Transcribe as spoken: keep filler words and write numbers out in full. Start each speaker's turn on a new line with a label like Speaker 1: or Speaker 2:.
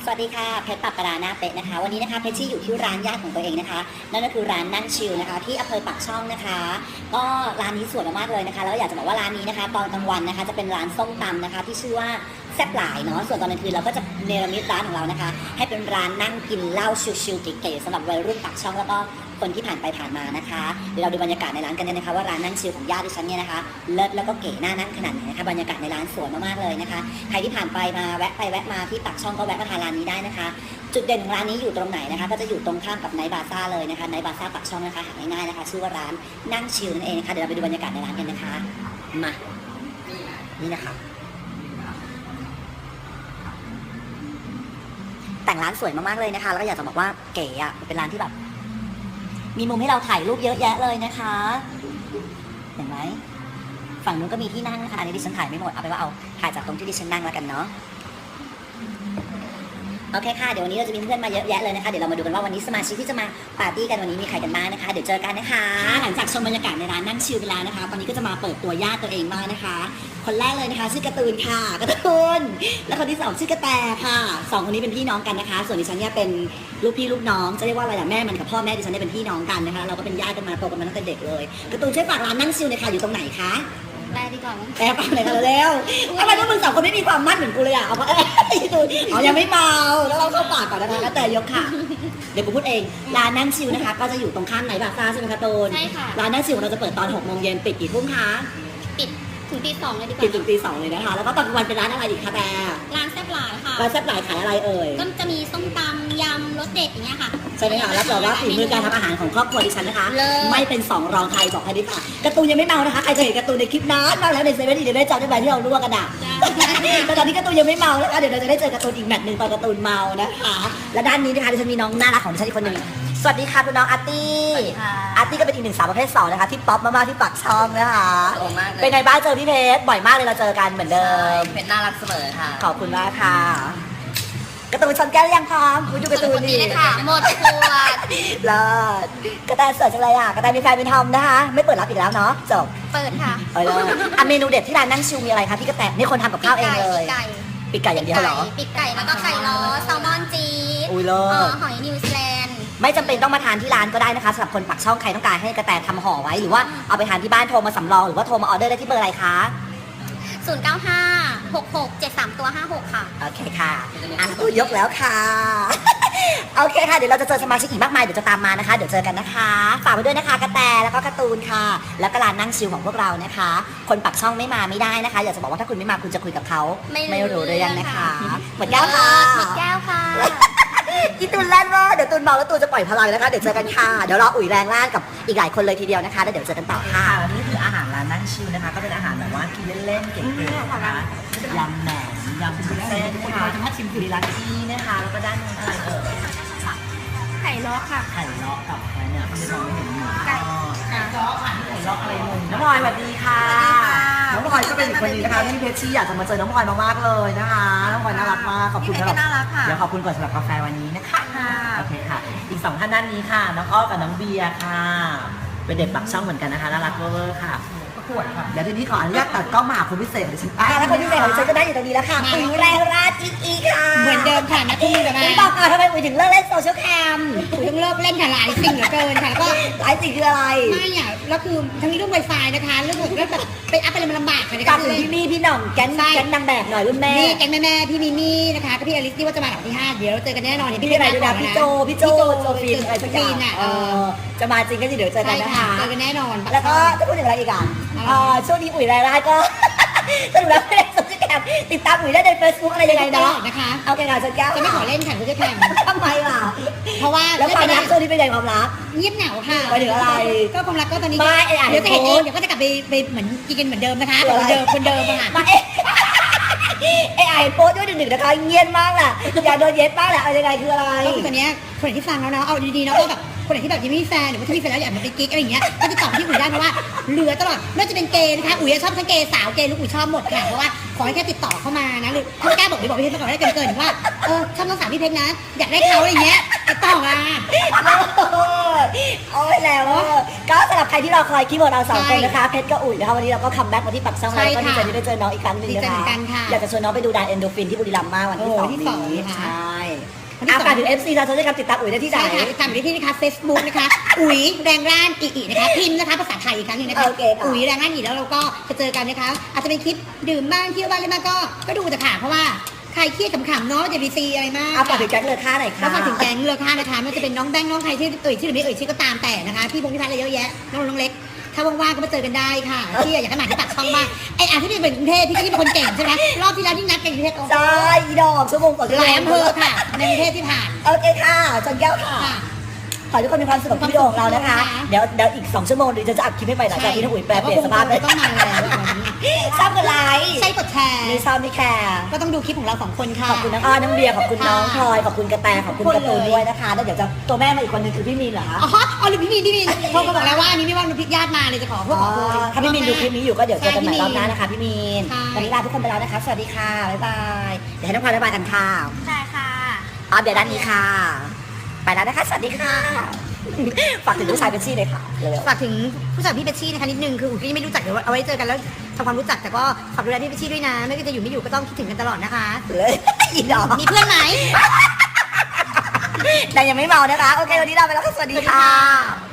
Speaker 1: สวัสดีค่ะเพชรปรับปราหน้าเป๊ะนะคะวันนี้นะคะเพชรชี่อยู่ที่ร้านญาติของตัวเองนะคะนั่นก็คือร้านนั่งชิลนะคะที่อำเภอปากช่องนะคะก็ร้านนี้สวยมากๆเลยนะคะแล้วอยากจะบอกว่าร้านนี้นะคะตอนกลางวันนะคะจะเป็นร้านส้มตำนะคะที่ชื่อว่าแซ่บหลายเนาะส่วนตอนกลางคืนเราก็จะเนรมิตร้านของเรานะคะให้เป็นร้านนั่งกินเหล้าชิลๆเก๋ๆสำหรับวัยรุ่นปากช่องแล้วก็คนที่ผ่านไปผ่านมานะคะเดี๋ยวเราดูบรรยากาศในร้านกันนะคะว่าร้านนั่งชิลของญาติดิฉันเนี่ยนะคะเลิศแล้วก็เก๋น่านั่งขนาดไหนนะคะบรรยากาศในร้านสวยมากๆเลยนะคะใครที่ผ่านไปมาแวะไปแวะมาที่ปากช่องก็แวะมาทานร้านนี้ได้นะคะจุดเด่นของร้านนี้อยู่ตรงไหนนะคะก็จะอยู่ตรงข้ามกับไนท์บาซ่าเลยนะคะไนท์บาซ่าปากช่องนะคะหาง่ายๆนะคะชื่อว่าร้านนั่งชิลนั่นเองนะคะเดี๋ยวเราไปดูบรรยากาศในร้านกันนะคะมานี่นะคะแต่งร้านสวยมากๆเลยนะคะแล้วก็อยากจะบอกว่าเก๋อะเป็นร้านที่แบบมีมุมให้เราถ่ายรูปเยอะแยะเลยนะคะเห็นไหมฝั่งนู้นก็มีที่นั่งนะคะอันนี้ดิฉันถ่ายไม่หมดเอาไปว่าเอาถ่ายจากตรงที่ดิฉันนั่งแล้วกันเนาะโอเคค่ะเดี๋ยววันนี้เราจะมีเพื่อนมาเยอะแยะเลยนะคะเดี๋ยวเรามาดูกันว่าวันนี้สมาชิกที่จะมาปาร์ตี้กันวันนี้มีใครกันบ้างนะคะเดี๋ยวเจอกันนะคะหลังจากชมบรรยากาศในร้านนั่งชิลไปแล้วนะคะตอนนี้ก็จะมาเปิดตัวญาติตัวเองบ้างนะคะคนแรกเลยนะคะชื่อการ์ตูนค่ะการ์ตูนแล้วคนที่สองชื่อกระแตค่ะสองคนนี้เป็นพี่น้องกันนะคะส่วนดิฉันเนี่ยเป็นลูกพี่ลูกน้องจะเรียกว่าอะไรล่ะแม่มันกับพ่อแม่ดิฉันเนี่ยเป็นพี่น้องกันนะคะเราก็เป็นญาติกันมาโตกันมาตั้งแต่เด็กเลยการ์ตูนช่วยฝากร้านนั่งชิลหน่อยค่ะอยู่ตรงไหนคะ
Speaker 2: แปลดีกว่ามั้ง
Speaker 1: แปลฟังเลยค่ะเร็วทำไมพวกมึงสองคนไม่มีความมั่นเหมือนกูเลยอ่ะเอาเพราะเอ้ยตูนอ๋อยังไม่เมาแล้วเราเข้าปากก่อนนะคะแล้วแต่ยกค่ะเดี๋ยวกูพูดเองร้านนั่งชิลนะคะก็จะอยู่ตรงข้ามไนท์บาซ่าใช่ไหมคะตูน
Speaker 2: ใช่ค่ะ
Speaker 1: ร้านนั่งชิลของเราจะเปิดตอนหกโมงเย็นปิดกี่ทุ่มคะ
Speaker 2: ปิดถึงตีสองเลยดีกว่า
Speaker 1: ปิดถึงตีสองเลยนะคะแล้วก็ตอนกลางวันเป็นร้านอะไรอีกคะแต่
Speaker 2: ร้านแซ่บหลายค่ะ
Speaker 1: ร้านแซ่บหลายขายอะไรเอ่ย
Speaker 2: ก็จะมีส้มตำยำรสเด็ดอย่างเงี้ยค่ะ
Speaker 1: ใช่ไหมคะรับรองว่าฝีมือการทำอาหารของครอบครัวดิฉันนะคะไม่เป็นสองรองใครบอกให้ดิค่ะการ์ตูนยังไม่เมานะคะใครจะเห็นการ์ตูนในคลิปนั้นมาแล้วในเซเว่นอีเดนได้จำได้ไหมที่เราลวกกันอ่ะแต่ตอนนี้การ์ตูนยังไม่เมานะคะเดี๋ยวเราจะได้เจอการ์ตูนอีกแมตช์หนึ่งตอนการ์ตูนเมานะคะและด้านนี้นะคะดิฉันมีน้องน่ารักของดิฉันอีกคนหนึ่งสวัสดีค่ะคุณน้องอาร์ตี้อาร์ตี้ก็เป็นอีกหนึ่งสาวประเภทสองนะคะที่ป๊อปมากๆที่ปากช่องนะคะเป็นไงบ้างเจอพี่เพชรบ่อยมากเลยเราเจอกันเหมือนเดิม
Speaker 3: เพชรน่ารักเสมอค่ะ
Speaker 1: ขอบคุณมากค่ะการ์ตูนชนแก้วยังพร้อมคุณดูการ์ตูนดี
Speaker 2: เลยค่ะหมดขวด
Speaker 1: เลิศกระแตสวยจังเลยอ่ะกระแตมีแฟนเป็นทอมนะคะไม่เปิดรับอีกแล้วเนาะจบ
Speaker 2: เปิดค่ะ
Speaker 1: เออเลยอ่ะเมนูเด็ดที่ร้านนั่งชิวมีอะไรคะพี่กระแตนี่คนทำกับข้าวเองเลยปีกไก่อย่างเดียวเหรอ
Speaker 2: ปีกไก่แล้วก็ไก่ล้อแซลมอนจีด
Speaker 1: อุ้ยเลิศ
Speaker 2: หอยนิวซีแลนด์
Speaker 1: ไม่จำเป็นต้องมาทานที่ร้านก็ได้นะคะสำหรับคนปักช่องใครต้องการให้กระแตทำห่อไว้หรือว่าเอาไปทานที่บ้านโทรมาสำรองหรือว่าโทรมาออเดอร์ได้ที่เบอร์อะไรคะ
Speaker 2: ศูนย์เก้าห้า หกหก เจ็ดสามตัวห้าหกค่ะ
Speaker 1: โอเคค่ะอ่ะตู้ยกแล้วค่ะโอเคค่ะเดี๋ยวเราจะเจอสมาชิกอีกมากมายเดี๋ยวจะตามมานะคะเดี๋ยวเจอกันนะคะฝากไว้ด้วยนะคะกระแตแล้วก็การ์ตูนค่ะแล้วก็ร้านนั่งชิลของพวกเรานะคะคนปักช่องไม่มาไม่ได้นะคะอยากจะบอกว่าถ้าคุณไม่มาคุณจะคุยกับเขาไม่รู้เรื่องนะคะหมดแก้วค่ะ
Speaker 2: หมดแก้วค่ะ
Speaker 1: อีตูนแล่นว่าเดี๋ยวตูนเมาแล้วตูนจะปล่อยพลังนะคะเดี๋ยวเจอกันค่ะเดี๋ยวรออุ๋ยแรงล่างกับอีกหลายคนเลยทีเดียวนะคะแล้วเดี๋ยวเจอกันต่อค่ะ
Speaker 3: วันนี้คืออาหารร้านนั่งชิลนะคะก็เป็นอาหารแบบว่ากินเล่นๆเก๋ๆนะคะยำแหนมยำวุ้นเส้นค่ะจะมาชิมคือร้านที่นะคะแล้วก็ด้านนู้นอะไรเอ่ย
Speaker 2: ไข่ล้อค่ะ
Speaker 3: ไข่เลาะกับอะไรเนี่ยไม่มองไม่เห็นหมู
Speaker 2: ไก่
Speaker 3: ไข่เลาะไข่เลาะอะไรมึงน้องพลอยสวัสดีค่ะน้องพลอยก็เป็นอีกคนนึงนะคะที่เพชรชี่อยากจะมาเจอน้องพลอยมากๆเลยนะคะน้องพลอยน่ารักมากขอบคุณสำหรับเดี๋ยวขอบคุณก่อนสำหรับกาแฟวันนี้นะคะโอเคค่ะอีกสองท่านด้านนี้ค่ะน้องอ้อกับน้องเบียร์ค่ะเป็นเด็กปักช่องเหมือนกันนะคะน่ารักเวอร์ค่ะประกวดค่ะเดี๋ยวทีนี้ขออนุญาตตัดกล้องมาหาคนพิเศษเลยฉัน
Speaker 1: อ่าแล้วคนพิเศษของฉันก็ได้อยู่ตรงนี้แล้วค่ะอุ๋ยแรงราดอีกอีกค่ะ
Speaker 2: เหมือนเดิมค่ะนะพี่กับแม่
Speaker 1: บอกก่อนทำไมอุ๋ยถึงเลิกเล่นโซเชียลแคม
Speaker 2: อุ๋ยต้องเลิกเล่นค่ะหลายสิ่งเหลือเกินค่ะแล้วก็
Speaker 1: หลายสิ่งคืออะไร
Speaker 2: ไม่อ่ะแล้วคือทั้งนี้เรื่องไวไฟนะคะเรื่องเรื่องแบบไปอัพอะไรมันลำบากค่ะใน
Speaker 1: การถึงพี่มี่พี่หน่องแก๊งแก๊งนางแบบหน่อยรุ่นแม่
Speaker 2: นี่แก๊งแม่แม่พี่มิมี่นะคะก็พี่อลิซที่ว่าจะมาหลังที่ห้าเดี๋ยวเจอกันแน่นอน
Speaker 1: พี่อะไรด้วยนะพี่โจพี่โจโจฟินอะไรสักอย่างเออจะมาจริงก็เดี๋ยวเจอกันนะคะ
Speaker 2: เจอกันแน่นอน
Speaker 1: แล้วก็จะพูดถึงอะไรอีกอ่ะช่วงนี้อุ๋ยรายได้ก็สรุปแล้วไม่ได้โซเชียลแคมติดตามอุ๋ยได้ใน Facebook อะไรยังไงเนาะ
Speaker 2: นะคะ
Speaker 1: เอาแกงานจะแก้ว
Speaker 2: จะไม่ขอเล่นค่ะโซเชียลแคม
Speaker 1: ทำไมล่ะ
Speaker 2: เพราะว่า
Speaker 1: แล้วความรักช่วงนี้เป็นยังไงความรัก
Speaker 2: เงียบเหงาค่ะ
Speaker 1: ไปถึงอะไร
Speaker 2: ก็ความรักก็ตอนนี้
Speaker 1: ไม่
Speaker 2: เดี๋ยวจะเห็นเองเดี๋ยวก็จะกลับไปไปเหมือนกินกันเหมือนเดิมนะคะเหมือนเดิมคนเดิมค่ะ
Speaker 1: มาเอ๊ะไอ้ไอ้โป๊ด้วยหนึ่งๆนะคะเงียบมากแหละอยากโดนเย็ดมากแหละอะไรยังไงคืออะไร
Speaker 2: ก็คือตอนนี้คนที่ฟังแล้วเนาะเอาดีๆเนาะแบบคนไหนที่แบบยังไม่มีแฟนหรือว่าถ้ามีแฟนแล้วอยากมาเป็นกิ๊กอะไรอย่างเงี้ยก็ติดต่อที่อุ๋ยได้เพราะว่าเหลือตลอดไม่ว่าจะเป็นเกย์นะคะอุ๋ยชอบทั้งเกย์สาวเกย์ลูกอุ๋ยชอบหมดค่ะเพราะว่าขอให้แค่ติดต่อเข้ามานะหรือถ้ากล้าบอกไปบอกพี่เพชรก่อนได้เกินๆว่าเออชอบน้องสาวพี่เพชรนะอยากได้เขาอะไรเงี้ยติดต่อมา
Speaker 1: โอ้ยแล้วก็สำหรับใครที่เราคอยคีย์บอร์ดเราสองคนนะคะเพชรกับอุ๋ยนะคะวันนี้เราก็คัมแบ็กมาที่ปักช่องแล้วก็ดีใจที่ได้เจอน้องอีกครั้งนึงนะคะอยากจะชวนน้องไปดูดานเอนโดฟินที่บุรีรัมย์มากวันที่สองนี้ใช่
Speaker 2: วันที่
Speaker 3: อา
Speaker 2: สอง
Speaker 3: ฝากถึง เอฟ ซี เราจะได้การติดตามอุ๋ยได้ที่ไหน
Speaker 2: ใช่ค่ะติดตามได้ที่นะคะ Facebook นะคะ อุ๋ยแรงร่านอีอีนะคะพิมพ์นะคะภาษาไทยอีกครั้งหนึงนะคะ
Speaker 3: โอเคค่ะ
Speaker 2: อุ๋ยแรงร่านอีแล้วเราก็จะเจอกันนะคะอาจจะเป็นคลิปดื่มบ้างเที่ยวบ้างอะไรบ้างก็ก็ดูแต่ค่ะเพราะว่าใครเครียดขำๆเนาะอย่าไปซีอะไรมาก
Speaker 3: อาฝากถึงแก๊งเลอค่าหน่อย
Speaker 2: ก็
Speaker 3: ค่ะ
Speaker 2: ฝากถึงแก๊งเรือค่านะคะไม่ว่าจะเป็นน้องแบงค์น้องใครที่เอ่ยชื่อหรือไม่เอ่ยชื่อก็ตามแต่นะคะพี่พงษ์พี่พัฒน์อะไรเยอะแยะน้องน้องเล็กถ้าว่างๆก็มาเจอกันได้ค่ะที่อยากให้มาที่ปากช่องบ้างไอ้อ่ะที่นี่เป็นกรุงเทพพี่ที่เป็นคนเก่งใช่ไหมรอบที่แล้วที่นัดกันกรุงเทพ
Speaker 3: ใช่อีดอกชั่วโมงต่อชั่ว
Speaker 2: ห
Speaker 3: โม
Speaker 2: ลาย
Speaker 3: ง
Speaker 2: อำเภอค่ะในกรุงเทพที่ผ่าน
Speaker 3: โอเคค่ะจนแก้วค่ะ
Speaker 2: ค่ะ
Speaker 3: ขอให้ทุกคนมีความสุขกับวิดีโอของเรานะคะ
Speaker 2: ค่ะ
Speaker 3: เดี๋ยวเดี๋ยวอีกสองชั่วโมงเดี๋ยวจะอัดคลิปให้ไปหลังจากที่น้องอุ๋ยแปลเปลี่ยนสภาพ
Speaker 2: เลยต้องมาแล้ววันนี้
Speaker 3: ชอบกดไลค์
Speaker 2: ใช่กดแชร์
Speaker 3: ไม่ชอบไม่แคร์
Speaker 2: ก็ต้องดูคลิปของเราสองคนค่ะ
Speaker 3: ขอบคุณน้องอ้อน้องเบียร์ขอบคุณน้องพ
Speaker 2: ค่ะ
Speaker 3: ลอยขอบคุณกระแตขอบคุณการ์ตูนด้วยนะคะแล้วเดี๋ยวจะตัวแม่มาอีกคนนึงคือพี่มีนเหรอคะ
Speaker 2: อ๋ออ๋อหรือพี่มีนพี่มีนโทรมาบอกแล้วว่าอันนี้ไม่ว่างพี่ญาติมาเลยจะขอพวกขอโทษ
Speaker 3: ถ้าพี่มีนดูคลิปนี้อยู่ก็เดี๋ยวเจอกันใหม่
Speaker 2: ใช่
Speaker 3: รอบหน้านะคะพี่มีน
Speaker 2: ใช่
Speaker 3: วันนี้ลาทุกคนไปแล้วนะคะสวัสดีค่ะบ๊ายบายเดี๋ยวให้น้องพลอยบ๊ายบายกันค่ะ
Speaker 2: ใช่ค่ะ
Speaker 3: อ๋อเดี๋ยวด้านนี้ค่ะ ไปแล้วนะคะสวัสดีค่ะฝากถึงลูกชายเป็นชี่เลยค่ะเร็ว
Speaker 2: ฝากถึงผู้จัดพี่เบชชี่นะคะนิดนึงคืออุ้ยก็ยังไม่รู้จักเดี๋ยวเอาไว้เจอกันแล้วทำความรู้จักแต่ก็ฝากดูแลพี่เบชชี่ด้วยนะไม่ว่าจะอยู่ไม่อยู่ก็ต้องคิดถึงกันตลอดนะคะ
Speaker 3: ๆเลยอีดอก
Speaker 2: มีเพื่อนไหม
Speaker 3: แต่ยังไม่เมานะคะโอเควันนี้ลาไปแล้วค่ะสวัสดีค่ะ